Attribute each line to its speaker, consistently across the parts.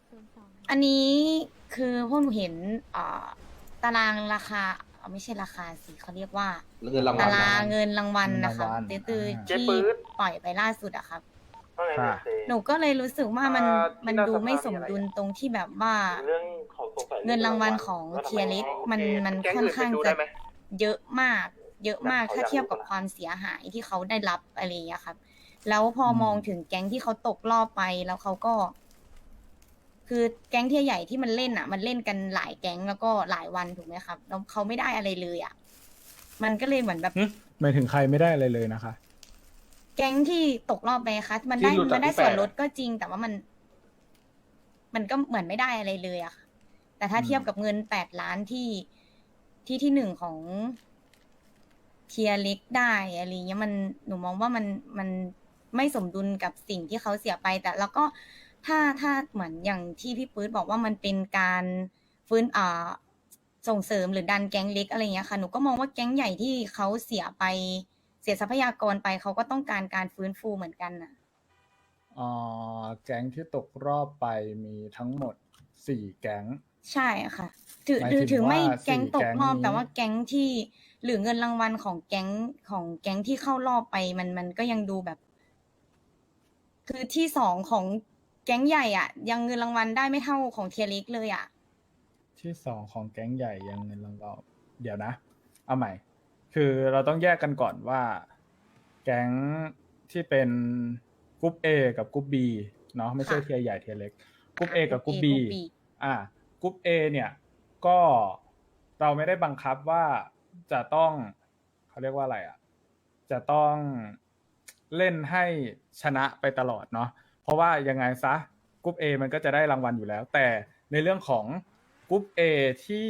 Speaker 1: อันนี้คือพวกหนูเห็นตารางราคาไม่ใช่ราคาสิเขาเรียกว่า
Speaker 2: เงินรางวัล
Speaker 1: ตารางเงินรางวัล
Speaker 3: เงินรา
Speaker 1: นะคะ
Speaker 3: งวัล
Speaker 1: ตือ
Speaker 4: เจ๊
Speaker 1: ที่
Speaker 4: ปื๊ด
Speaker 1: ปล่อยไปล่าสุดอะครับ
Speaker 4: ว่าไง
Speaker 3: ค่ะ
Speaker 4: เนี่ยเจ๊
Speaker 1: หนูก็เลยรู้สึกว่ามัน
Speaker 4: ที่หน้า
Speaker 1: ดู
Speaker 4: สภา
Speaker 1: ไม่สม
Speaker 4: มีอะไร
Speaker 1: ดุล
Speaker 4: อะ
Speaker 1: ตรงที่แบบว่า
Speaker 4: เรื่องของสงสัย
Speaker 1: เงินรางวัลของ
Speaker 4: ว่าทำไม
Speaker 1: เทียร์เล็ก
Speaker 4: โอเค
Speaker 1: มัน
Speaker 4: แก๊ง
Speaker 1: ค่อน
Speaker 4: อื่น
Speaker 1: ข้าง
Speaker 4: ไปดู
Speaker 1: จะ
Speaker 4: ได้ไหม
Speaker 1: เยอะมาก เยอะมาก
Speaker 4: เขา
Speaker 1: ถ้า
Speaker 4: อยาก
Speaker 1: เทียบ
Speaker 4: รู้
Speaker 1: กับ
Speaker 4: นะ
Speaker 1: ความเสียหายที่เขาได้รับอะไรอย่างเงี้ยครับ แล้วพอมองถึงแก๊งที่เขาตกรอบไปแล้วเขาก็ คือแก๊งเทียร์ใหญ่ที่มันเล่นอ่ะ มันเล่นกันหลายแก๊งแล้วก็หลายวันถูกไหมครับแล้วเขาไม่ได้อะไรเลยอ่ะมันก็เลยเหมือนแบบ
Speaker 3: หมายถึงใครไม่ได้อะไรเลยนะคะ
Speaker 1: แก๊งที่ตกรอบไปคะมัน
Speaker 2: ที่
Speaker 1: ได้
Speaker 2: หลุดจาก
Speaker 1: มันได้
Speaker 2: ที่
Speaker 1: ส่วน
Speaker 2: แปด
Speaker 1: ลดก็จริง แต่ว่ามันก็เหมือนไม่ได้อะไรเลยอะค่ะแต่ถ้า
Speaker 3: อืม
Speaker 1: เทียบกับเงิน8 ล้านที่หนึ่งของเทียร์เล็กได้อะไรเงี้ยหนูมองว่ามันไม่สมดุลกับสิ่งที่เขาเสียไป แต่แล้วก็ถ้าเหมือนอย่างที่พี่ปื๊ดบอกว่ามันเป็นการฟื้นส่งเสริมหรือดันแก๊งเล็กอะไรเงี้ยค่ะหนูก็มองว่าแก๊งใหญ่ที่เขาเสียไปเสียทรัพยากรไปเขาก็ต้องการการฟื้นฟูเหมือนกันน่ะ
Speaker 3: แก๊งที่ตกรอบไปมีทั้งหมด4แก๊ง
Speaker 1: ใช่ค่ะถือ
Speaker 3: หมาย
Speaker 1: ถือ
Speaker 3: ถึง
Speaker 1: ถือไม่
Speaker 3: ว่า
Speaker 1: แก๊ง
Speaker 3: 4
Speaker 1: ตก
Speaker 3: แก๊ง
Speaker 1: รอบ
Speaker 3: นี้
Speaker 1: แต่ว่าแก๊งที่หรือเงินรางวัลของแก๊งที่เข้ารอบไปมันก็ยังดูแบบ คือที่สองของแก๊งใหญ่อ่ะ ยังเงินรางวัลได้ไม่เท่าของเทียร์เล็กเลยอ่ะ
Speaker 3: ที่2ของแก๊งใหญ่ยังเงินรางวัลเดี๋ยวนะ เอาใหม่ คือเราต้องแยกกันก่อนว่า แก๊งที่เป็นกรุ๊ป A กับกรุ๊ป B เนาะไม่ใช่
Speaker 1: ค่ะ
Speaker 3: เทียร์ใหญ่เทียร์เล็กกรุ๊ป A กับกรุ๊ป B
Speaker 1: กรุ๊ป B
Speaker 3: กรุ๊ป A เนี่ยก็เราไม่ได้บังคับว่าจะต้องเขาเรียกว่าอะไรอ่ะ จะต้องเล่นให้ชนะไปตลอดเนาะเพราะว่ายังไงซะกรุ๊ป A มันก็จะได้รางวัลอยู่แล้ว แต่ในเรื่องของกรุ๊ป A ที่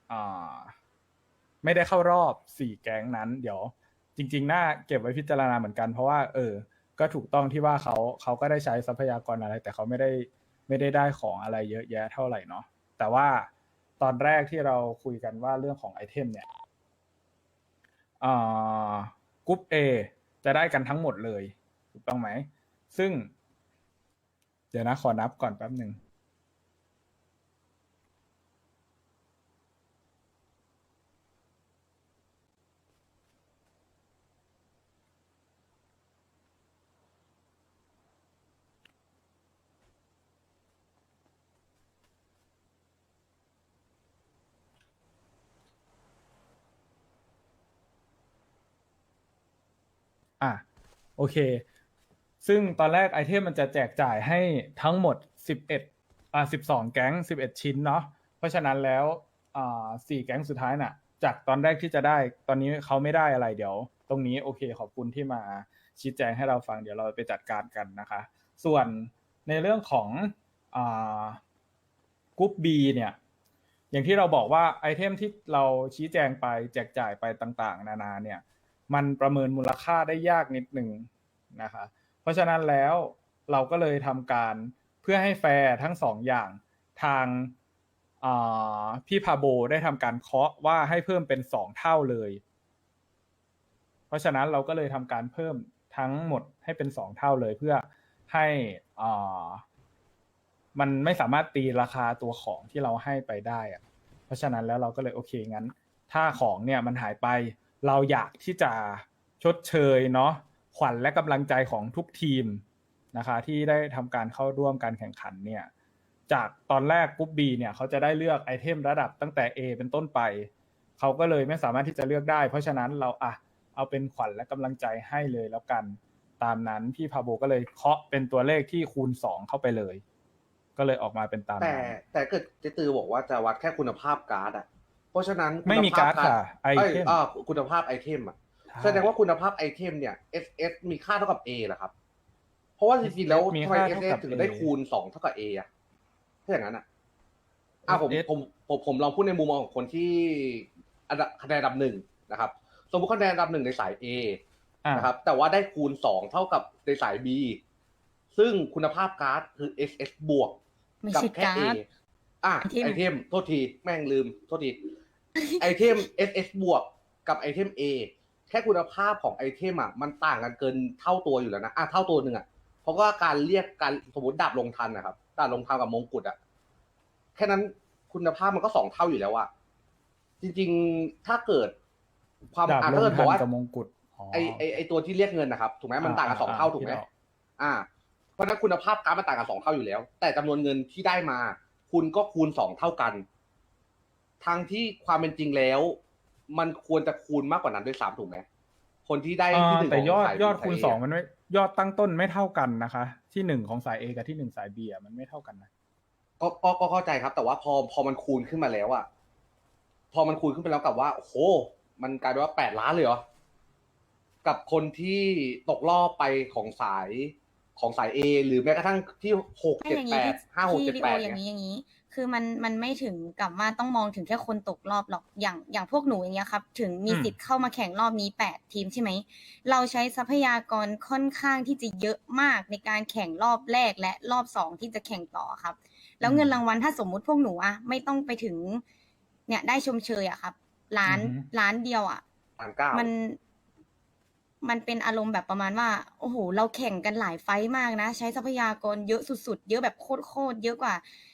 Speaker 3: ไม่ได้เข้ารอบ4แก๊งนั้นเดี๋ยวจริงๆน่าเก็บไว้พิจารณาเหมือนกันเพราะว่าก็ถูกต้องที่ว่าเขาก็ได้ใช้ทรัพยากรอะไรแต่เขาไม่ได้ของอะไรเยอะแยะเท่าไหร่เนาะแต่ว่าตอนแรกที่เราคุยกันว่าเรื่องของไอเทมเนี่ยกรุ๊ป A จะได้กันทั้งหมดเลยถูกต้องไหมซึ่งเดี๋ยวนะขอนับก่อนแป๊บหนึ่งโอเคซึ่งตอนแรกไอเทมมันจะแจกจ่ายให้ทั้งหมด12แก๊ง11ชิ้นเนาะเพราะฉะนั้นแล้ว4แก๊งสุดท้ายน่ะจากตอนแรกที่จะได้ตอนนี้เขาไม่ได้อะไรเดี๋ยวตรงนี้โอเคขอบคุณที่มาชี้แจงให้เราฟังเดี๋ยวเราไปจัดการกันนะคะส่วนในเรื่องของกรุ๊ป B เนี่ยอย่างที่เราบอกว่าไอเทมที่เราชี้แจงไปแจกจ่ายไปต่างๆนานาเนี่ยมันประเมินมูลค่าได้ยากนิดนึงนะคะเพราะฉะนั้นแล้วเราก็เลยทำการเพื่อให้แฟร์ทั้งสองอย่างทางพี่พาโบได้ทำการเคาะว่าให้เพิ่มเป็น2เท่าเลยเพราะฉะนั้นเราก็เลยทำการเพิ่มทั้งหมดให้เป็น2เท่าเลยเพื่อให้มันไม่สามารถตีราคาตัวของที่เราให้ไปได้อะเพราะฉะนั้นแล้วเราก็เลยโอเคงั้นถ้าของเนี่ยมันหายไปเราอยากที่จะชดเชยเนาะขวัญและกำลังใจของทุกทีมนะคะที่ได้ทำการเข้าร่วมการแข่งขันเนี่ยจากตอนแรกกรุ๊ป B เนี่ยเขาจะได้เลือกไอเทมระดับตั้งแต่ A เป็นต้นไปเขาก็เลยไม่สามารถที่จะเลือกได้เพราะฉะนั้นเราเอาเป็นขวัญและกำลังใจให้เลยแล้วกันตามนั้นพี่พาโบก็เลยเคาะเป็นตัวเลขที่คูณ2เข้าไปเลยก็เลยออกมาเป็นตามนั้น
Speaker 2: แต่เกิดเจตือบอกว่าจะวัดแค่คุณภาพการ์ดอ่ะเพราะฉะนั้น
Speaker 3: ไม่มีการ์ดค่ะไอเทม
Speaker 2: คุณภาพไอเทมอ่ะแสดงว่าคุณภาพไอเทมเนี่ย SS มีค่าเท่ากับ A เหรอครับเพราะว่าจริงๆแล้ว
Speaker 3: มี
Speaker 2: ทำไม
Speaker 3: ค่าเท่า
Speaker 2: SS
Speaker 3: กับ
Speaker 2: ถึง
Speaker 3: A
Speaker 2: ได้คูณ2เท่ากับ A อ่ะถ้าอย่างนั้นอ่ะผม
Speaker 3: SS
Speaker 2: ผมลองพูดในมุมมองของคนที่คะแนนอันดับหนึ่งนะครับสมมติคะแนนอันดับหนึ่งในสาย A นะครับแต่ว่าได้คูณ2เท่ากับในสาย B ซึ่งคุณภาพการ์ดคือ SS บวก
Speaker 1: ไม่
Speaker 2: กับ
Speaker 1: ใช่
Speaker 2: แค่
Speaker 1: การ์
Speaker 2: A
Speaker 1: ด
Speaker 2: ไอเทมโทษทีแม่งลืมโทษที ไอเทม SS บวกกับไอเทม A แค่คุณภาพของไอเทมอ่ะมันต่างกันเกินเท่าตัวอยู่แล้วนะเท่าตัวหนึ่งอ่ะเพราะว่าการเรียกการสมมติดาบลงทันนะครับตลาดลงทำกับมงกุฎอะแค่นั้นคุณภาพมันก็2 เท่าอยู่แล้วอะจริงๆถ้าเกิดความ
Speaker 3: ดาบ
Speaker 2: ถ้า
Speaker 3: ล
Speaker 2: เกิ
Speaker 3: ง
Speaker 2: ดบ
Speaker 3: ทั
Speaker 2: อน กว่า
Speaker 3: กับมงกุฎอ๋อ
Speaker 2: ไอตัวที่เรียกเงินนะครับถูกไหมมันต่างกัน2 เท่าถูกไหม
Speaker 3: ที่เรา
Speaker 2: เพราะฉะนั้นคุณภาพการ์ดมันต่างกัน2 เท่าอยู่แล้ว แต่จำนวนเงินที่ได้มา คุณก็คูณ2 เท่ากันทั้งที่ความเป็นจริงแล้ว มันควรจะคูณมากกว่านั้นด้วยซ้ำถูกไหมคนที่ได้ที่หนึ่ง
Speaker 3: แต่
Speaker 2: ของ
Speaker 3: ยอด
Speaker 2: สา
Speaker 3: คูณ
Speaker 2: A
Speaker 3: 2มันไม่ยอดตั้งต้นไม่เท่ากันนะคะ ที่1ของสาย A กับที่1สาย B มันไม่เท่ากันนะ
Speaker 2: ก็เข้าใจครับ แต่ว่าพอมันคูณขึ้นมาแล้วอะพอมันคูณขึ้นไปแล้วกับว่าโอ้โหมันกลายเป็นว่า8 ล้านเลยเหรอกับคนที่ตกรอบไปของสาย A หรือแม้กระทั่งที่6
Speaker 1: ไม่อย่างนี้
Speaker 2: 7 8 5 6
Speaker 1: ที่
Speaker 2: 7
Speaker 1: ลีโอ
Speaker 2: 8
Speaker 1: อย่าง
Speaker 2: เนี่ย
Speaker 1: นี้อย่างนี้ คือมันไม่ถึงกับว่าต้องมองถึงแค่คนตกรอบหรอกอย่างพวกหนูอย่างเงี้ยครับ ถึงมีสิทธิ์เข้ามาแข่งรอบนี้8 ทีมใช่ไหมเราใช้ทรัพยากรค่อนข้างที่จะเยอะมากในการแข่งรอบแรกและรอบ2ที่จะแข่งต่อครับ แล้วเงินรางวัลถ้าสมมุติพวกหนูอะไม่ต้องไปถึง เนี่ยได้ชมเชยอะครับล้านเดียวอะ
Speaker 2: 1,900,000
Speaker 1: มันเป็นอารมณ์แบบประมาณว่าโอ้โหเราแข่งกันหลายไฟต์มากนะ ใช้ทรัพยากรเยอะสุดๆเยอะแบบโคตรเยอะกว่า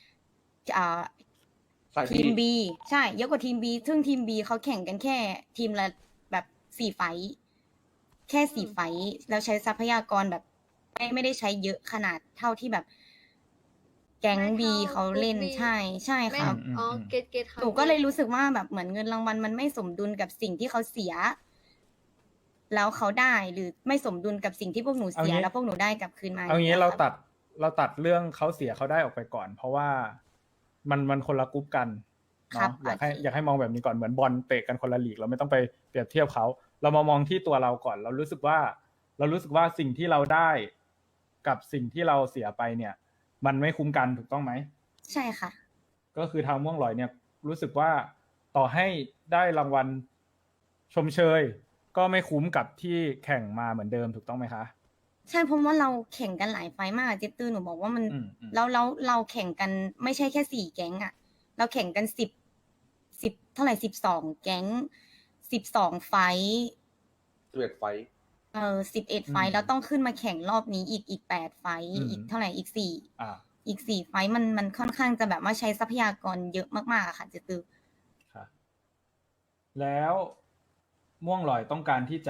Speaker 2: สาย B
Speaker 1: ทีม B ใช่เยอะกว่าทีม B ซึ่งทีม B เขาแข่งกันแค่ทีมละแบบ4 ไฟต์แค่4 ไฟต์แล้วใช้ทรัพยากรแบบไม่ได้ใช้เยอะขนาดเท่าที่แบบ แก๊ง B เขาเล่นใช่ครับ
Speaker 4: อ๋อเกตค่ะ
Speaker 1: หนูก็เลยรู้สึกว่าแบบเหมือนเงินรางวัลมันไม่สมดุลกับสิ่งที่เขาเสีย แล้วเขาได้หรือไม่สมดุลกับสิ่งที่พวกหนูเสีย
Speaker 3: เอางี้
Speaker 1: แล้วพวกหนูได้กลับคืนมา
Speaker 3: เอางี้
Speaker 1: ย่
Speaker 3: เรา
Speaker 1: ยคบ
Speaker 3: ตัดเรื่องเขาเสียเขาได้ออกไปก่อน เพราะว่ามันคนละกรุ๊ปกัน
Speaker 1: ครั
Speaker 3: เนาะ
Speaker 1: บ
Speaker 3: อยากให้มองแบบนี้ก่อนเหมือนบอลเตะกันคนละลีกเราไม่ต้องไปเปรียบเทียบเขาเรามามองที่ตัวเราก่อน เรารู้สึกว่าสิ่งที่เราได้กับสิ่งที่เราเสียไปเนี่ย มันไม่คุ้มกันถูกต้องไหม
Speaker 1: ใช่ค่ะ
Speaker 3: ก็คือทางม่วงลอยเนี่ยรู้สึกว่าต่อให้ได้รางวัลชมเชย ก็ไม่คุ้มกับที่แข่งมาเหมือนเดิมถูกต้องไหมคะ
Speaker 1: ใช่เพราะว่าเราแข่งกันหลายไฟล์มากเจตื้อหนูบอกว่ามัน
Speaker 3: อืม
Speaker 1: แล้วเราแข่งกันไม่ใช่แค่4 แก๊งอะเราแข่งกัน10เท่าไหร่12 แก๊ง12 ไฟล์
Speaker 2: 11 ไฟท์
Speaker 1: 11 ไฟล์แล้วต้องขึ้นมาแข่งรอบนี้อีก8 ไฟล์อีกเท่าไหร่อีก4 ไฟล์มันค่อนข้างจะแบบว่าใช้ทรัพยากรเยอะมากๆอะค่ะเจตื้อ
Speaker 3: ค่ะแล้วม่วงลอยต้องการที่จะ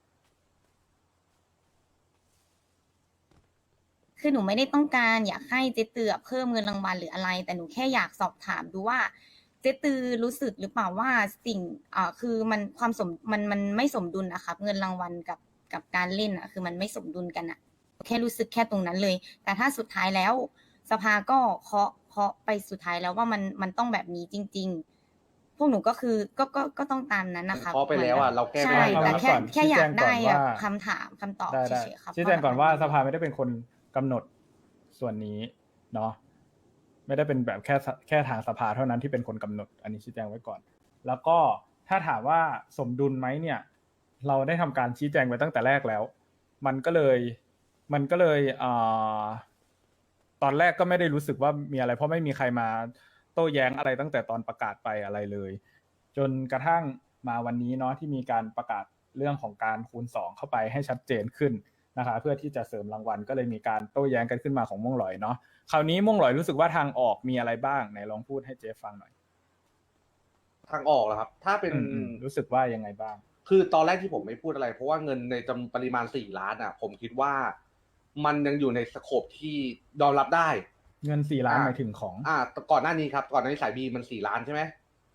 Speaker 1: คือหนูไม่ได้ต้องการอยากให้เจ๊ตือเพิ่มเงินรางวัลหรืออะไร แต่หนูแค่อยากสอบถามดูว่าเจ๊ตือรู้สึกหรือเปล่าว่าสิ่งคือมันมันไม่สมดุลนะครับเงินรางวัลกับการเล่นคือมันไม่สมดุลกันแค่รู้สึกแค่ตรงนั้นเลย แต่ถ้าสุดท้ายแล้วสภาก็เคาะไปสุดท้ายแล้วว่ามันต้องแบบนี้จริง ๆ พวกหนูก็คือก็ต้องตามนั้นนะคะ
Speaker 2: เคาะไปแล้วเราแก้ไม่
Speaker 1: ใช่
Speaker 2: ได้
Speaker 1: แต่
Speaker 2: นะ
Speaker 1: แค่อยากได้
Speaker 3: ชี้แจงก่อนว่า
Speaker 1: คำถามคำตอบ
Speaker 3: ได้
Speaker 1: เฉยๆครับ
Speaker 3: ชี้แจงก่อนว่าสภาไม่ได้เป็นคนกำหนดส่วนนี้เนาะไม่ได้เป็นแบบแค่ทางสภาเท่านั้นที่เป็นคนกำหนด อันนี้ชี้แจงไว้ก่อน แล้วก็ถ้าถามว่าสมดุลไหมเนี่ย เราได้ทำการชี้แจงไว้ตั้งแต่แรกแล้ว มันก็เลยตอนแรกก็ไม่ได้รู้สึกว่ามีอะไรเพราะไม่มีใครมาโต้แย้งอะไรตั้งแต่ตอนประกาศไปอะไรเลย จนกระทั่งมาวันนี้เนาะที่มีการประกาศเรื่องของการคูณ2เข้าไปให้ชัดเจนขึ้นนะคะเพื่อที่จะเสริมรางวัลก็เลยมีการโต้แย้งกันขึ้นมาของม่วงหลอยเนาะคราวนี้ม่วงหลอยรู้สึกว่าทางออกมีอะไรบ้างไหนลองพูดให้เจฟฟังหน่อย
Speaker 2: ทางออกเหรอครับ ถ้าเป็น
Speaker 3: รู้สึกว่ายังไงบ้าง
Speaker 2: คือตอนแรกที่ผมไม่พูดอะไร เพราะว่าเงินในจำปริมาณ4 ล้านผมคิดว่ามันยังอยู่ในสโคปที่ยอมรับได้
Speaker 3: เงิน4 ล้านหมายถึงของ
Speaker 2: ก่อนหน้านี้ครับก่อนหน้านี้สายบีมัน4 ล้านใช่ไหม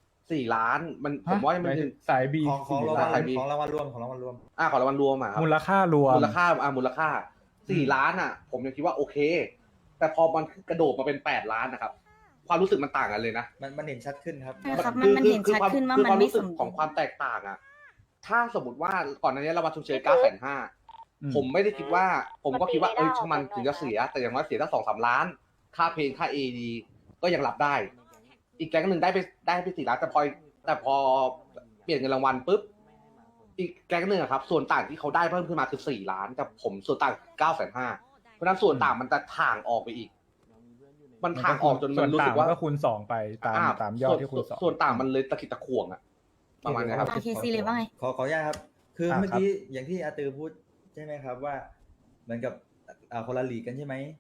Speaker 2: 4 ล้านมันผมว่ามันถึง
Speaker 3: สายบี
Speaker 5: ของราง
Speaker 2: ล้
Speaker 5: วัล
Speaker 2: น
Speaker 5: ของรางวัลรวมของรางวัลรวม
Speaker 2: ของรางวัลรวมครับ
Speaker 3: มูลค่ารวม
Speaker 2: มูลค่า4 ล้านผมยังคิดว่าโอเค แต่พอมันกระโดดมาเป็น8 ล้านนะครับ ความรู้สึกมันต่างกันเลยนะ
Speaker 5: มันเห็นชัดขึ้นครับ
Speaker 1: ใช่ครับมันเห็นชัดขึ้นว่ามันไม่สมดุล
Speaker 2: ของความแตกต่างถ้าสมมติว่าก่อนหน้านี้เรามาชมเชย950,000ผมไม่ได้คิดว่า ผมก็คิดว่าช่างมันถึงจะเสีย แต่อย่างน้อยเสียตั้ง2-3 ล้าน ค่าเพลงค่า AD ก็ยังรับได้ อีกแก๊งหนึ่งได้ไป4 ล้านแต่พอเปลี่ยนเงินรางวัลปุ๊บอีกแก๊งหนึ่งครับส่วนต่างที่เขาได้เพิ่มขึ้นมาคือ4 ล้านแต่ผมส่วนต่าง950,000เพราะนั้นส่วนต่างมันจะถ่างออกไปอีก มันถ่างออกจนมันรู้สึกว่า
Speaker 3: ก็คูณ2ไปตามยอดที่คูณ2
Speaker 2: ส่วนต่างมันเลยตะกิดตะขวงประมาณนี้ครับ
Speaker 1: โอเคซีเลยว่าไง
Speaker 5: ขออนุญาตครับ คือเมื่อกี้อย่างที่อาตือพูดใช่ไหมครับว่าเหมือนกับคนละลีกกันใช่ไหม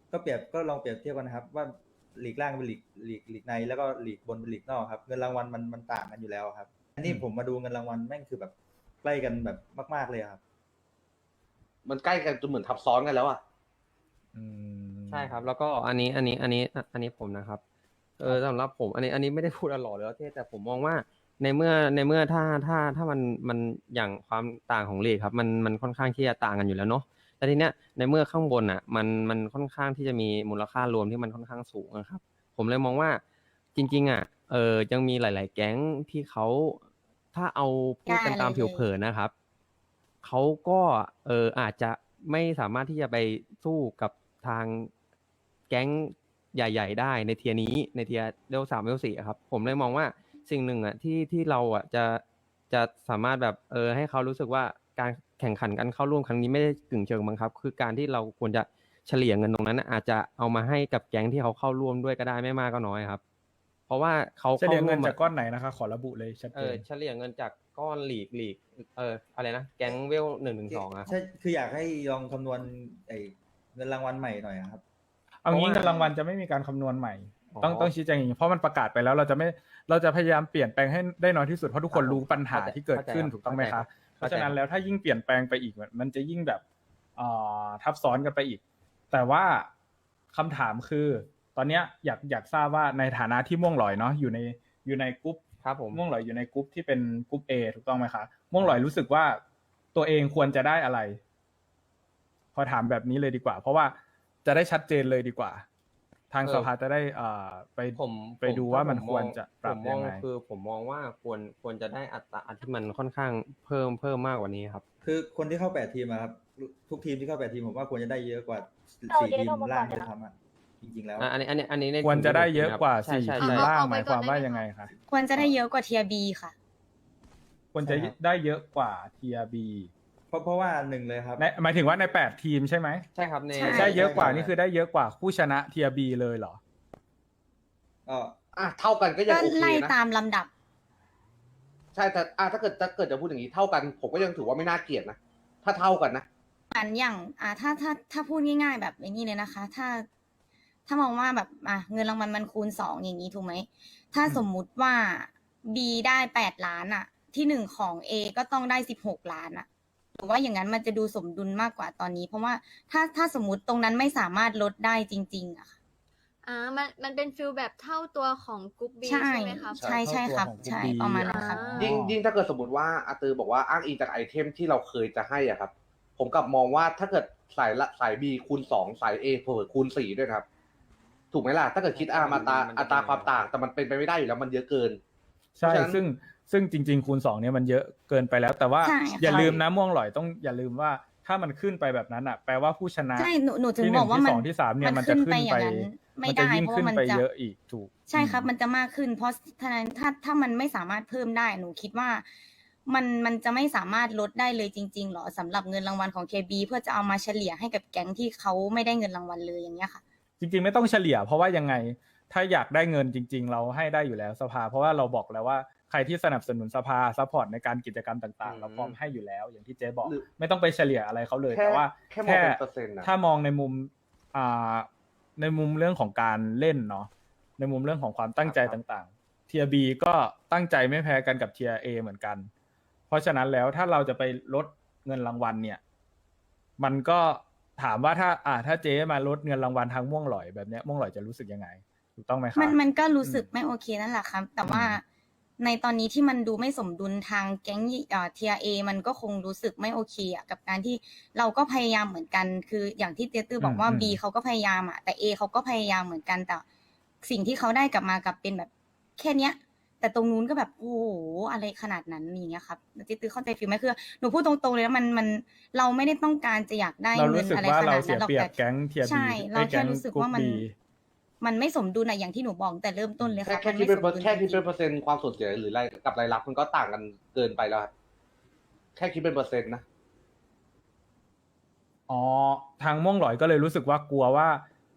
Speaker 5: ก็ลองเปรียบเทียบกันนะครับว่าลีกล่างเป็นลีกในแล้วก็ลีกบนเป็นลีกนอกครับเงินรางวัลมันต่างกันอยู่แล้วครับอันนี้ผมมาดูเงินรางวัลแม่งคือแบบใกล้กันแบบมากๆเลยครับ
Speaker 2: มันใกล้กันจนเหมือนทับซ้อนกันแล้วอ่ะ
Speaker 3: อืม
Speaker 4: ใช่ครับ แล้วก็อันนี้ผมนะครับสำหรับผมอันนี้ไม่ได้พูดหล่อหรือว่าเท่แต่ผมมองว่าในเมื่อถ้ามันอย่างความต่างของลีกครับมันค่อนข้างที่จะต่างกันอยู่แล้วเนาะแต่ทีเนี้ยในเมื่อข้างบนอ่ะมันค่อนข้างที่จะมีมูลค่ารวมที่มันค่อนข้างสูงนะครับ ผมเลยมองว่าจริงๆอ่ะยังมีหลายๆแก๊งที่เขาถ้าเอาพูดกันตามผิวเผินนะครับเขาก็อาจจะไม่สามารถที่จะไปสู้กับทางแก๊งใหญ่ๆได้ในเทียร์นี้ในเทียร์เลเวล3เลเวล4ครับผมเลยมองว่าสิ่งหนึ่งอ่ะที่เราอ่ะจะสามารถแบบให้เขารู้สึกว่าการแข่งขันกันเข้าร่วมครั้งนี้ไม่ได้กึ่งเชิงบังคับคือการที่เราควรจะเฉลี่ยเงินตรงนั้นน่ะอาจจะเอามาให้กับแก๊งที่เขาเข้าร่วมด้วยก็ได้ไม่มากก็น้อยครับ เพราะว่าเขา
Speaker 3: เฉลี่ยเงิน
Speaker 4: ข้
Speaker 3: จากก้อนไหนนะคะขอระบุเลยชัดเจน
Speaker 4: เฉลี่ยเงินจากก้อนลีกอะไรนะแก๊งเวล1 ถึง 2อะครับ
Speaker 5: ใช่คืออยากให้ลองคำนวณเงินรางวัลใหม่หน่อยครับ
Speaker 3: เอางี้
Speaker 4: เพราะว่า
Speaker 3: เงินรางวัลจะไม่มีการคำนวณใหม่
Speaker 4: อ๋อ
Speaker 3: ต้องชี้แจงอย่างนี้เพราะมันประกาศไปแล้วเราจะพยายามเปลี่ยนแปลงให้ได้น้อยที่สุดเพราะทุกคนรู้ปัญหาที่เกิดขึ้นถูกต้องไหมคะเพราะฉะนั้นแล้วถ้ายิ่งเปลี่ยนแปลงไปอีกมันจะยิ่งแบบทับซ้อนกันไปอีก แต่ว่าคำถามคือตอนเนี้ยอยากทราบว่าในฐานะที่ม่วงหลอยเนาะอยู่ในกรุ๊ป
Speaker 4: ครับผม
Speaker 3: ม่วงหลอยอยู่ในกรุ๊ปที่เป็นกรุ๊ป A ถูกต้องไหมคะม่วงหลอยรู้สึกว่าตัวเองควรจะได้อะไร พอถามแบบนี้เลยดีกว่า เพราะว่าจะได้ชัดเจนเลยดีกว่า ทางสภาจะได้ไปดูว่ามันควรจะปรับยังไง
Speaker 4: ผมมองว่าควรจะได้อัตราที่มันค่อนข้างเพิ่มมากกว่านี้ครับ
Speaker 5: คือคนที่เข้า8 ทีมอะครับทุกทีมที่เข้า8 ทีมผมว่าควรจะได้เยอะกว่า4 ทีมล่างด้วยซ้ำอะจริงๆแล้ว
Speaker 4: อันนี้ใน
Speaker 3: ควรจะได้เยอะกว่า
Speaker 4: ใช่
Speaker 3: 4
Speaker 4: ใช่
Speaker 3: ทีม
Speaker 4: ใช่
Speaker 3: ล่าง
Speaker 6: เอา
Speaker 3: ห
Speaker 6: ไป
Speaker 3: มาย
Speaker 6: ก่
Speaker 3: ค
Speaker 6: อน
Speaker 3: วามว่า
Speaker 6: ได้ไหม
Speaker 3: ยังไงคะ
Speaker 1: ควรจะได้เยอะกว่าเทียบีค่ะ
Speaker 3: ควรจะ
Speaker 5: ใช่ครับ
Speaker 3: ได้เยอะกว่า Tier B
Speaker 5: เพราะว่าหนึ่งเลยครับ
Speaker 3: หมายถึงว่าใน8ทีมใช่ไหม
Speaker 4: ใช่ครับใน
Speaker 1: ใช่
Speaker 3: ได้เยอะกว่า
Speaker 5: ใช่
Speaker 3: นี่คือได้เยอะกว่าผู้ชนะ Tier B เลยเหรอ
Speaker 5: ก็
Speaker 2: เท่ากันก็ยัง
Speaker 1: ก็
Speaker 2: โอเค
Speaker 1: ไล่
Speaker 2: นะ
Speaker 1: ตามลำดับ
Speaker 2: ใช่แต่ถ้าเกิดจะพูดอย่างนี้เท่ากัน ผมก็ยังถือว่าไม่น่าเกลียดนะถ้าเท่ากันนะ
Speaker 1: อันอย่างถ้าพูดง่ายๆแบบไอ้นี่เลยนะคะ ถ้ามองว่าแบบเงินรางวัลมันคูณ2อย่างนี้ถูกไหมถ้าสมมุติว่า B ได้8 ล้านอะที่หนึ่งของ A ก็ต้องได้16 ล้านอะหรือว่าอย่างนั้นมันจะดูสมดุลมากกว่าตอนนี้ เพราะว่าถ้าสมมติตรงนั้นไม่สามารถลดได้จริงๆอะค่ะ
Speaker 6: มันเป็นฟิลแบบเท่าตัวของกรุ๊ปบี
Speaker 1: ใช่
Speaker 6: ใช่ไหมครับ
Speaker 1: ใช่ครับ
Speaker 3: เท่าตัวของ
Speaker 1: ใช่
Speaker 3: กรุ๊ป B
Speaker 1: ประมาณนั้นครับ
Speaker 2: ยิ่งถ้าเกิดสมมติว่าอาตือบอกว่าอ้างอิงจากไอเทมที่เราเคยจะให้อ่ะครับ ผมกลับมองว่าถ้าเกิดสาย B คูณ2สาย A เผื่อคูณ4ด้วยครับ ถูกไหมล่ะ ถ้าเกิดคิดอัตราความต่าง แต่มันเป็นไปไม่ได้อยู่แล้วมันเยอะเกิน
Speaker 3: ใช่
Speaker 2: เพราะฉะนั้น
Speaker 3: ซึ่งจริง ๆ คูณ2เนี่ยมันเยอะเกินไปแล้ว แต่ว่า
Speaker 1: ใช่ค่ะ
Speaker 3: อย่าลืมนะม่วงหลอยต้องอย่าลืมว่าถ้ามันขึ้นไปแบบนั้นอ่ะแปลว่าผู้ชนะ
Speaker 1: ใช่หนูถึง
Speaker 3: ที่
Speaker 1: บอกว่า
Speaker 3: ที่
Speaker 1: มัน
Speaker 3: สองที่3เนี่ยมันจะ
Speaker 1: ขึ้น
Speaker 3: ขึ้น
Speaker 1: ไปอ
Speaker 3: ไป
Speaker 1: ย่างนั้นไม่
Speaker 3: มันจะ
Speaker 1: ได้
Speaker 3: ยิ่ง
Speaker 1: เพราะ
Speaker 3: ขึ้น
Speaker 1: ว่ามัน
Speaker 3: ไป
Speaker 1: จะ
Speaker 3: เยอะอีกถูก
Speaker 1: ใช่ครับมันจะมากขึ้น เพราะฉะนั้นถ้ามันไม่สามารถเพิ่มได้หนูคิดว่ามันจะไม่สามารถลดได้เลยจริงๆหรอสำหรับเงินรางวัลของ KB เพื่อจะเอามาเฉลี่ยให้กับแก๊งที่เขาไม่ได้เงินรางวัลเลยอย่างเงี้ยค่ะ
Speaker 3: จริงๆไม่ต้องเฉลี่ย เพราะว่ายังไงถ้าอยากได้เงินจริง ๆ เราให้ได้อยู่แล้วสภา เพราะว่าเราบอกแล้วว่าใครที่สนับสนุนสภาซัพพอร์ตในการกิจกรรมต่างๆ เราพร้อมให้อยู่แล้ว อย่างที่เจ๊บอก
Speaker 2: หรือ
Speaker 3: ไม่ต้องไปเฉลี่ยอะไรเขาเลย
Speaker 2: แค่
Speaker 3: แต่ว่า
Speaker 2: แค่มองเป็นเปอร์เซ็นต์นะ
Speaker 3: ถ้ามองในมุมในมุมเรื่องของการเล่นเนาะในมุมเรื่องของความตั้งใจต่างๆ Tier B ก็ตั้งใจไม่แพ้กันกับ Tier A เหมือนกัน เพราะฉะนั้นแล้วถ้าเราจะไปลดเงินรางวัลเนี่ยมันก็ถามว่าถ้าเจ๊มาลดเงินรางวัลทางม่วงหลอยแบบเนี้ยม่วงหลอยจะรู้สึกยังไงถูกต้องไหมครับ
Speaker 1: มันก็รู้สึกไม่โอเคนั่นแหละครับ แต่ว่าในตอนนี้ที่มันดูไม่สมดุลทางแก๊งเทียเอมันก็คงรู้สึกไม่โอเคอะกับการที่เราก็พยายามเหมือนกัน คืออย่างที่เตี้ยตื้อบอกว่า B เขาก็พยายามอะแต่ A เขาก็พยายามเหมือนกันแต่สิ่งที่เขาได้กลับมากลับเป็นแบบแค่เนี้ย แต่ตรงนู้นก็แบบโอ้โหอะไรขนาดนั้นอย่างเงี้ยครับเตี้ยตื้อเข้าใจฟีลไหมคือหนูพูดตรงๆเลยนะมันเราไม่ได้ต้องการจะอยากได้
Speaker 3: เรา
Speaker 1: เงิ
Speaker 3: รู้
Speaker 1: น
Speaker 3: สึก
Speaker 1: อะไร
Speaker 3: ว่า
Speaker 1: ข
Speaker 3: เรา
Speaker 1: นาด
Speaker 3: เสี
Speaker 1: นั้
Speaker 3: ย
Speaker 1: นหรอก
Speaker 3: เปรียบ
Speaker 1: แต่
Speaker 3: แก๊งเทียบี
Speaker 1: ใช่เราแค่รู้สึกว่ามันไม่สมดุลอะอย่างที่หนูบอกแต่เริ่มต้นเลยครับ
Speaker 2: แค่คิดเป็นเปอร์เซ็นต์ความสูญเสียหรือรายกับรายรับมันก็ต่างกันเกินไปแล้วครับแค่คิดเป็นเปอร์เซ็นต์นะ
Speaker 3: อ๋อทางม่วงหลอยก็เลยรู้สึกว่ากลัวว่า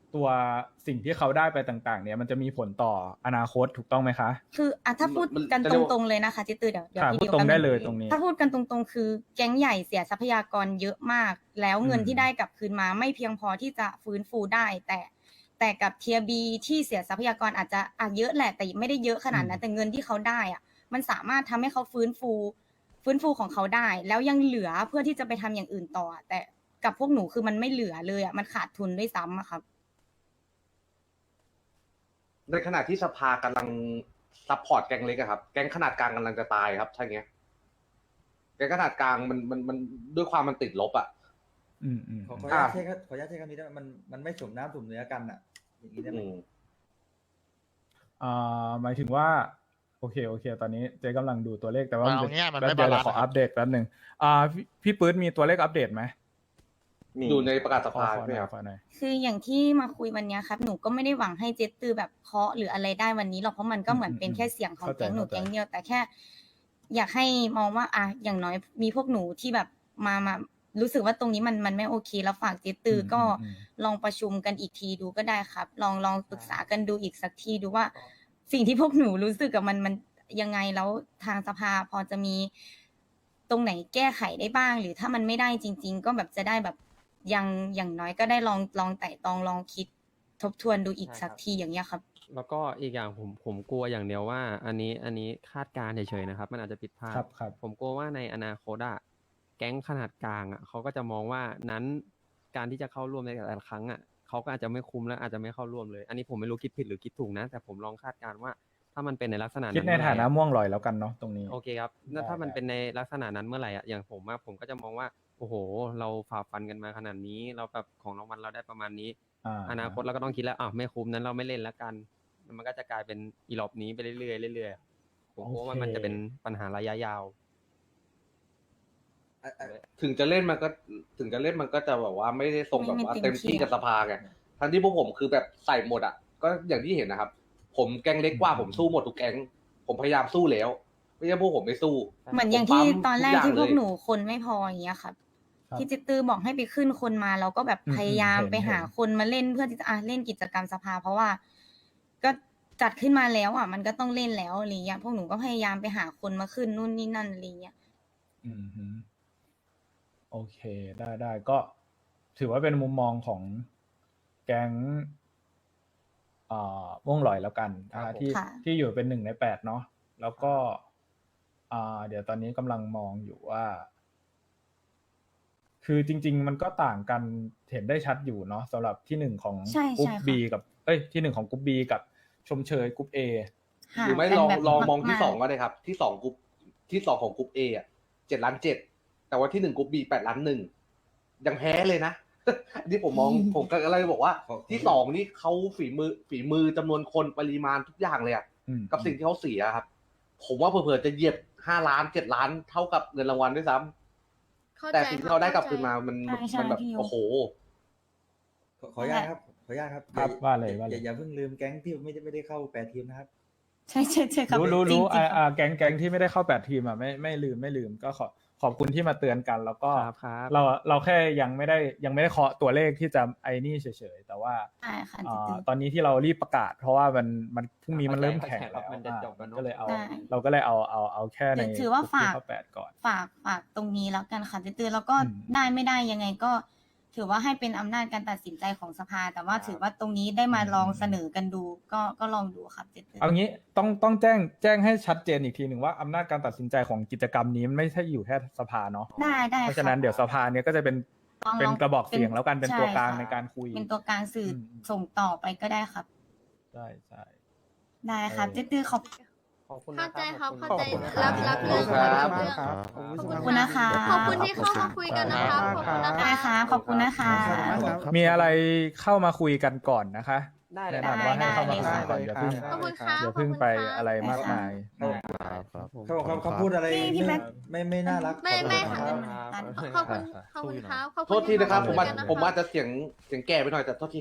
Speaker 3: ตัวสิ่งที่เขาได้ไปต่างๆ เนี่ยมันจะมีผลต่ออนาคตถูกต้องไหมคะ
Speaker 1: คือถ้าพูดกัน
Speaker 2: จะ
Speaker 1: ต
Speaker 2: เรียกว่า
Speaker 1: รงๆเลยนะคะจิตตือเดี๋ยว
Speaker 3: ค่ะ
Speaker 1: พี่
Speaker 3: พูด
Speaker 1: เดียว
Speaker 3: ตรง
Speaker 1: แป๊บ
Speaker 3: ได้
Speaker 1: นึง
Speaker 3: เลยตรงนี้
Speaker 1: ถ้าพูดกันตรงๆ คือแก๊งใหญ่เสียทรัพยากรเยอะมาก แล้วเงิน
Speaker 3: อืม
Speaker 1: ที่ได้กลับคืนมาไม่เพียงพอที่จะฟื้นฟูได้ แต่กับเทียบีที่เสียทรัพยากรอาจจะเยอะแหละ แต่ไม่ได้เยอะขนาดนั้นแต่เงินที่เขาได้อะมันสามารถทำให้เขาฟื้นฟูของเขาได้ แล้วยังเหลือเพื่อที่จะไปทำอย่างอื่นต่อ แต่กับพวกหนูคือมันไม่เหลือเลยมันขาดทุนด้วยซ้ำอะครับ
Speaker 2: ในขณะที่สภากำลังซัพพอร์ตแก๊งเล็กอะครับ แก๊งขนาดกลางกำลังจะตายครับถ้าอย่างเงี้ย แก๊งขนาดกลางมันด้วยความมันติดลบอะ
Speaker 3: อืมอืม
Speaker 5: ขออนุญาตใช้คำนี้ได้ไหมมันไม่สมน้ำสมเนื้อกันอ่ะ อย่างนี้ได้ไหม
Speaker 3: หมายถึงว่าโอเคตอนนี้เจ๊กำลังดูตัวเลขแต่ว่า
Speaker 7: เอาง่ายๆมันไม่
Speaker 3: แป๊บเดียว
Speaker 7: บาลานซ์
Speaker 3: ขอ
Speaker 7: อะครับ
Speaker 3: อัปเดตแป๊บหนึ่งพี่ปื๊ดมีตัวเลขอัปเดตไหม
Speaker 2: อยู่ในประกาศส
Speaker 3: ขอ
Speaker 2: ภา
Speaker 3: หน่
Speaker 2: ใช่ไหม
Speaker 3: อย
Speaker 2: ครับ
Speaker 3: ขอหน่อย
Speaker 1: คืออย่างที่มาคุยวันเนี้ยครับหนูก็ไม่ได้หวังให้เจตตือแบบเคาะหรืออะไรได้วันนี้หรอกเพราะมันก็เหมือนเป็นแค่เสียงของ
Speaker 3: เข้าใจ
Speaker 1: แก๊งหนู
Speaker 3: เข้าใจ
Speaker 1: แก๊งเดียวแต่แค่ อยากให้มองว่าอย่างน้อยมีพวกหนูที่แบบมารู้สึกว่าตรงนี้มันไม่โอเค แล้วฝากเจตตืออก็ลองประชุมกันอีกทีดูก็ได้ครับ ลองปรึกษากันดูอีกสักทีดูว่า สิ่งที่พวกหนูรู้สึกกับมันยังไงแล้วทางสภาพอจะมีตรงไหนแก้ไขได้บ้าง หรือถ้ามันไม่ได้จริง ๆ ก็แบบจะได้แบบอย่างน้อยก็ได้ลองไต่ตองลองคิดทบทวนดูอีก
Speaker 4: ใช่
Speaker 1: สัก
Speaker 4: ครับ
Speaker 1: ทีอย่างเงี้ยครับ
Speaker 4: แล้วก็อีกอย่างผมกลัวอย่างเดียวว่า อันนี้คาดการณ์เฉยๆนะครับ มันอาจจะผิดพลาด
Speaker 3: ครับ
Speaker 4: ผมกลัวว่าในอนาคตอะแก๊งขนาดกลางอะเขาก็จะมองว่านั้นการที่จะเข้าร่วมในแต่ละครั้งอะเขาก็อาจจะไม่คุ้มและอาจจะไม่เข้าร่วมเลย อันนี้ผมไม่รู้คิดผิดหรือคิดถูกนะ แต่ผมลองคาดการณ์ว่า ถ้ามันเป็นในลักษณะ
Speaker 3: คิดใน
Speaker 4: เมื่อไหร่
Speaker 3: ฐานะ
Speaker 4: อะ
Speaker 3: ม่วงลอยแล้วกันเนาะตรงนี้
Speaker 4: โอเคครับแล้วถ้ามันเป็นในลักษณะนั้นเมื่อไหร่อ่ะอย่างผมก็จะมองว่าโอ้โห เราฝ่าฟันกันมาขนาดนี้ เราแบบของรางวัลเราได้ประมาณนี้ อนาคตเราก็ต้องคิดแล้วไม่คุ้มนั้นเราไม่เล่นแล้วกัน มันก็จะกลายเป็นอีหลอบนี้ไปเรื่อยๆเรื่อยๆผมกลัวว่ามันจะเป็นปัญหาระยะยาว
Speaker 2: ถึงจะเล่นมันก็จะแบบว่าไม่ได้ส่งแบบว่าเต็มที่กับสภาไงทั้งที่พวกผมคือแบบใส่หมดอ่ะก็อย่างที่เห็นนะครับ ผมแก๊งเล็กกว่าผมสู้หมดทุกแก๊งผมพยายามสู้แล้วไม่ใช่พวกผมไม่สู้
Speaker 1: เหมือนอย่างที่
Speaker 2: ผมปั๊ม
Speaker 1: ตอนแรก
Speaker 2: ทุกอย่าง
Speaker 1: ที่พวก
Speaker 2: เลย
Speaker 1: หนูคนไม่พออย่างเงี้ยครับ
Speaker 3: ครับ
Speaker 1: ที่เจตตือบอกให้ไปขึ้นคนมาเราก็แบบ
Speaker 3: อืม
Speaker 1: พยายาม
Speaker 3: เห็น
Speaker 1: ไปหา
Speaker 3: เห็น
Speaker 1: คนมาเล่นเพื่อที่จะเล่นกิจกรรมสภา เพราะว่า ก็จัดขึ้นมาแล้วมันก็ต้องเล่นแล้วอะไรเงี้ยพวกหนูก็พยายามไปหาคนมาขึ้นนู่นนี่นั่นอะไรเงี้ย
Speaker 3: อืมฮึโอเคได้ก็ถือว่าเป็นมุมมองของแก๊งม่วงลอยแล้วกันนะ
Speaker 2: ครั
Speaker 3: คะ
Speaker 2: บผม
Speaker 3: ที่
Speaker 1: ค่ะ
Speaker 3: ที่อยู่เป็น1 ใน 8เนาะแล้วก็เดี๋ยวตอนนี้กำลังมองอยู่ว่า คือจริง ๆ มันก็ต่างกันเห็นได้ชัดอยู่เนาะสำหรับที่ 1ของ
Speaker 1: ใช่
Speaker 3: กรุ๊ป
Speaker 1: ใช่ค่ะ
Speaker 3: B กับที่ 1ของกรุ๊ป B กับชมเชยกรุ๊ป A
Speaker 1: ห่า
Speaker 2: หรือไม่
Speaker 1: กัน
Speaker 2: ลอง
Speaker 1: แบบ
Speaker 2: ลองมองที่
Speaker 1: ากๆ
Speaker 2: สองก็ได้ครับ ที่สองกรุ๊ปที่สองของกรุ๊ปเออ่ะ7,700,000แต่ว่าที่1กรุ๊ปบี8,100,000ยังแพ้เลยนะ อันนี้ผมมอง ผมก็เลยบอกว่า ที่สองนี่เขาฝีมือจำนวนคนปริมาณทุกอย่างเลยอะ
Speaker 3: อืม
Speaker 2: กับสิ่งที่เขาเสียครับ ผมว่าเผื่อๆจะเหยียบ5 ล้าน7 ล้านเท่ากับเงินรางวัลด้วยซ้ำ
Speaker 6: เข้าใจ
Speaker 2: แต่สิ่งที่เราได้กลับคืนมา
Speaker 6: เข้ใจ
Speaker 2: มัน
Speaker 1: ใช่
Speaker 2: มันแบบ
Speaker 1: พี่ยุ
Speaker 2: โอ้โห
Speaker 5: ขออนุญาตครับ
Speaker 3: ครับว่าเลย
Speaker 5: อย่าเพิ่งลืมแก๊งที่ไม่ได้เข้า8 ทีมนะครับ
Speaker 1: ใช่ครับ
Speaker 3: รู้
Speaker 1: จงๆครับ
Speaker 3: แก๊งที่ไม่ได้เข้า8 ทีมไม่ลืมก็ขอบคุณที่มาเตือนกัน แล้วก็
Speaker 4: ครับ
Speaker 3: เราแค่ยังไม่ได้เคาะตัวเลขที่จะไอ้นี่เฉยๆแต่ว่า
Speaker 1: ใช่ค่ะเจตตือ
Speaker 3: ตอนนี้ที่เรารีบประกาศ เพราะว่ามันพรุ่งนี้มันเริ่มแข่งแล้ว
Speaker 4: มันจะจบแล้วเนอะ
Speaker 3: ก็เลยเอา
Speaker 1: ใช่
Speaker 3: เราก็เลยเอาแค่ใน
Speaker 1: ถือว่าฝาก
Speaker 3: เข้า8ก่อน
Speaker 1: ฝากตรงนี้แล้วกันค่ะเจตตือแล้วก็
Speaker 3: อืม
Speaker 1: ได้ไม่ได้ยังไงก็ถือว่าให้เป็นอำนาจการตัดสินใจของสภา แต่ว่าถือว่าตรงนี้ได้มาลองเสนอกันดูก็ลองดูครับเจตตือ
Speaker 3: เอางี้ต้องแจ้งให้ชัดเจนอีกทีหนึ่งว่าอำนาจการตัดสินใจของกิจกรรมนี้มันไม่ใช่อยู่แค่สภาเนาะ
Speaker 1: ได้
Speaker 3: เพราะฉะนั้นเดี๋ยวสภาเนี่ยก็จะเป็น
Speaker 1: ลอง
Speaker 3: กระบอกเสียงแล้วกันเป็นตัวกลาง
Speaker 1: ช่ค่ะ
Speaker 3: ในการคุย
Speaker 1: เป็นตัวกลางสื่ออ
Speaker 3: ม
Speaker 1: ส่งต่อไปก็ได้ครับ
Speaker 3: ใช่
Speaker 1: ได้ครับเจตตือขอบ
Speaker 4: ขอบคุณ
Speaker 6: เข้า
Speaker 4: นะ
Speaker 6: ใจครับ
Speaker 4: ขอ
Speaker 6: เข้า
Speaker 4: ณ
Speaker 6: ใจ
Speaker 4: นะ
Speaker 6: รับเรื่อง
Speaker 2: ครับ
Speaker 6: เรื่อง
Speaker 7: ครับ
Speaker 6: ขอบ
Speaker 1: ขอบคุณนะคะ
Speaker 6: ขอบคุณที่เข้ามาคุยกันนะครับขอบคุณนะ
Speaker 1: ได้
Speaker 6: คะ
Speaker 1: ค่ะขอบคุณนะคะ
Speaker 3: มีอะไรเข้ามาคุยกันก่อนนะคะ
Speaker 4: ได้เลย
Speaker 3: แนะนำว่าให้เข้ามาคุย
Speaker 7: ได้
Speaker 3: ก่อน
Speaker 7: เลย
Speaker 3: อย่าเพิ่ง
Speaker 6: ขอบคุณครับ
Speaker 3: อย่าเพิ่งไปอะไรมากมาย
Speaker 7: ครับผม
Speaker 5: เขาพูดอะไร
Speaker 1: พี่แม็ก
Speaker 5: ไม่น่ารัก
Speaker 6: ไม่
Speaker 5: ขอโทษ
Speaker 6: ค่ะ
Speaker 5: นะครับ
Speaker 6: ขอบคุณครับขอบคุณ
Speaker 2: โทษทีนะครับ
Speaker 6: ที่เข้าาคุยกั
Speaker 2: ผมอาจจะเสียงแก่ไปหน่อยแต่โทษทีครับ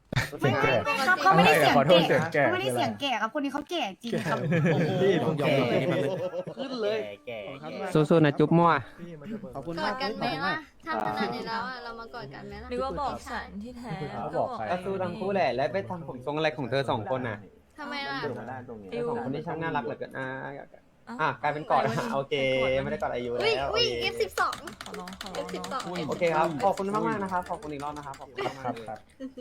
Speaker 1: ไม่ไม่ไม่ครับเขาไม่ได้เสียงแก่เขาไม่ได้เสียงแก่ครับคนนี้เขาแก่จริงครับ
Speaker 2: โอ้โห
Speaker 7: ผมยอมรับนี่มัน
Speaker 2: ขึ้นเลย
Speaker 4: สู้ๆนะจุ๊บมั่ว
Speaker 7: ขอบคุณ
Speaker 6: กอ
Speaker 7: มา
Speaker 6: ด
Speaker 7: ก
Speaker 6: กันไหมล่ะถ้าขนาดนี้แล้วอะเรามากอดกันไหมล่ะ
Speaker 8: หรือว่าบอกฉันที่แท้
Speaker 3: เขาบอกใคร
Speaker 4: ก็สู้ทั้งคู่แหละ แล้วไปทำผมทรงอะไรของเธอสองคนน่ะ
Speaker 6: ทำไมล่ะ
Speaker 4: เธอสองคนที่ช่างน่ารักเหลือเกินกลายเป็นกอดโอเค ไม่ได้กอดอายุ
Speaker 6: อุ้ย
Speaker 4: แล้ว
Speaker 6: อุ้ย F12
Speaker 8: ขอร้องขอร้อง
Speaker 6: F12
Speaker 4: โอเคครับ ขอบคุณมากๆนะครับ ขอบคุณอีกรอบนะครับ ขอบคุณมาก
Speaker 3: ครับ
Speaker 4: ๆเลย
Speaker 3: ครับ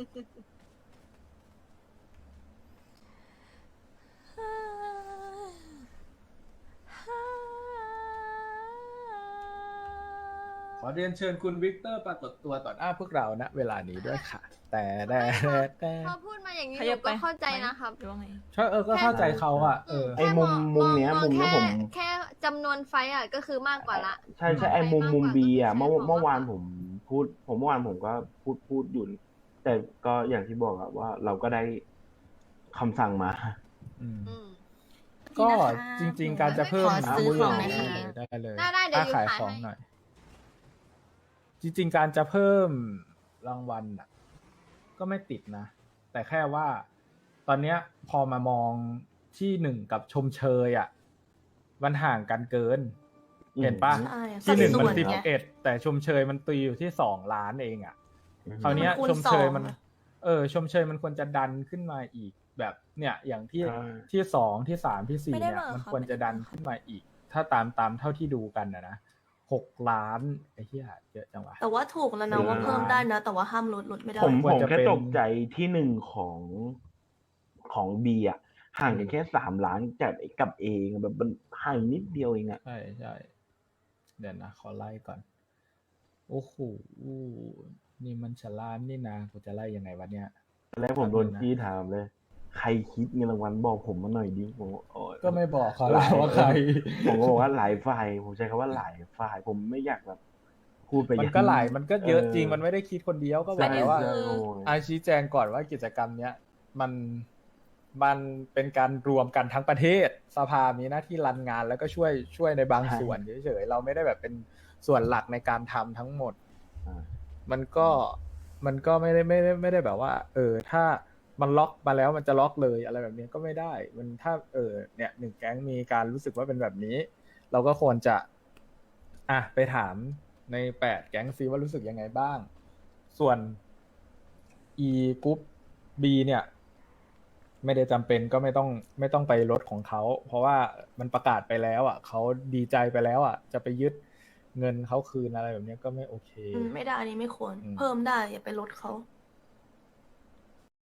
Speaker 3: ขอเรียนเชิญคุณวิกเตอร์ปรากฏตัวต่อหน้าพวกเราณเวลานี้ด้วยค่ะ แต่แต่
Speaker 6: พอพูดมาอย่างนี้
Speaker 8: ข
Speaker 6: ห
Speaker 8: ยั
Speaker 6: นู
Speaker 8: บไป
Speaker 6: ก็เข้าใจนะครับ
Speaker 8: หรือว่าไง
Speaker 3: ใช่ก็เข้าใจเขาอ่ะ
Speaker 6: แค่
Speaker 7: ไอ้มุมเนี้ย
Speaker 6: อง
Speaker 7: มุมเนี้ย
Speaker 6: แค่
Speaker 7: ผม
Speaker 6: แค่จำนวนไฟต์อ่ะก็คือมากกว่าละ
Speaker 7: ใช่ไอ้มุมบีอ่ะเมื่อวาน
Speaker 6: ใช่
Speaker 7: ผมเมื่อวานผมก็พูดอยู่ แต่ก็อย่างที่บอกอะว่าเราก็ได้คำสั่งมา
Speaker 3: อืม
Speaker 6: อืม
Speaker 3: ก็จริง ๆ การจะเพิ่ม
Speaker 1: ขอซื้อของหน่อย
Speaker 3: ได้
Speaker 1: ค่ะ
Speaker 3: ได้เลย
Speaker 6: ได้เดี๋ยวอยู่
Speaker 3: ขาย
Speaker 6: ขาย
Speaker 3: ของ
Speaker 6: ให้
Speaker 3: หน่อย จริง ๆ การจะเพิ่มรางวัลอ่ะ ก็ไม่ติดนะ แต่แค่ว่า ตอนเนี้ยพอมามองที่หนึ่งกับชมเชยอ่ะมันห่างกันเกิน เห็นปะ
Speaker 8: ใช่
Speaker 3: ที่หนึ่งมัน
Speaker 8: สัดส่วนไง
Speaker 3: 11แต่ชมเชยมันตีอยู่ที่2 ล้านเองอ่ะ คราวเนี้ย
Speaker 8: มันคูณ
Speaker 3: ชมเชย
Speaker 8: 2
Speaker 3: มัน ชมเชยมันควรจะดันขึ้นมาอีกแบบเนี่ย อย่างที่
Speaker 7: ใช่
Speaker 3: ที่2ที่3ที่4
Speaker 8: ไม่ได้
Speaker 3: เนี่ย
Speaker 8: มา
Speaker 3: มัน
Speaker 8: ค่ะ
Speaker 3: ควรจะดันขึ้นมาอีก ถ้าตามเท่าที่ดูกันนะ6 ล้านไอ้เหี้ยเยอะจังวะ
Speaker 8: แต่ว่าถูกแล้วนะว่าเพิ่มได้นะ แต่ว่าห้ามลดไม่ได้
Speaker 7: ผม
Speaker 3: ควรจะ
Speaker 7: แค่
Speaker 3: เป็น
Speaker 7: ตกใจที่หนึ่งของบีอ่ะห่างกันแค่3 ล้านกับเองแบบมันห่างนิดเดียวเองอ่ะ
Speaker 3: ใช่ใช่เดี๋ยวนะขอไล่ก่อน โอ้โหนี่มันฉลามนี่นะกูจะไล่ยังไงวะเนี่ย
Speaker 7: แล้วผมโดน
Speaker 3: แป๊บนึงนะ
Speaker 7: จี้ถามเลย ใครคิดเงินรางวัลบอกผมมาหน่อยดิผมบอกโอ๊ย
Speaker 3: ก็ไม่บอกเขาแล้วว่าใคร
Speaker 7: ผมก็บอกว่าหลายฝ่ายผมใช้คำว่าหลายฝ่ายผมไม่อยากแบบพูดไป
Speaker 3: มันก็หลายมันก็เยอะจริงมันไม่ได้คิดคนเดียวก็บอก
Speaker 7: ใช่
Speaker 3: แล้วว่า
Speaker 7: ใช่โอ้ย
Speaker 3: อาชี้แจงก่อนว่ากิจกรรมเนี้ยมันเป็นการรวมกันทั้งประเทศสภามีหน้าที่รันงานแล้วก็ช่วยในบางส่วนเฉยๆเราไม่ได้แบบเป็นส่วนหลักในการทำทั้งหมด
Speaker 7: อ่า
Speaker 3: มันก็ไม่ได้แบบว่า ถ้ามันล็อกมาแล้วมันจะล็อกเลยอะไรแบบนี้ก็ไม่ได้ มันถ้าเนี่ยหนึ่งแก๊งมีการรู้สึกว่าเป็นแบบนี้ เราก็ควรจะไปถามใน8 แก๊งซิว่ารู้สึกยังไงบ้าง ส่วน E กรุ๊ป B เนี่ย ไม่ได้จำเป็นก็ไม่ต้องไปลดของเขาเพราะว่ามันประกาศไปแล้วอ่ะเขาดีใจไปแล้วอ่ะจะไปยึดเงินเขาคืนอะไรแบบนี้ก็ไม่โอเค
Speaker 8: ไม่ได้อันนี้ไม่ควร
Speaker 3: อืม
Speaker 8: เพิ่มได้อย่าไปลดเขา
Speaker 3: ใ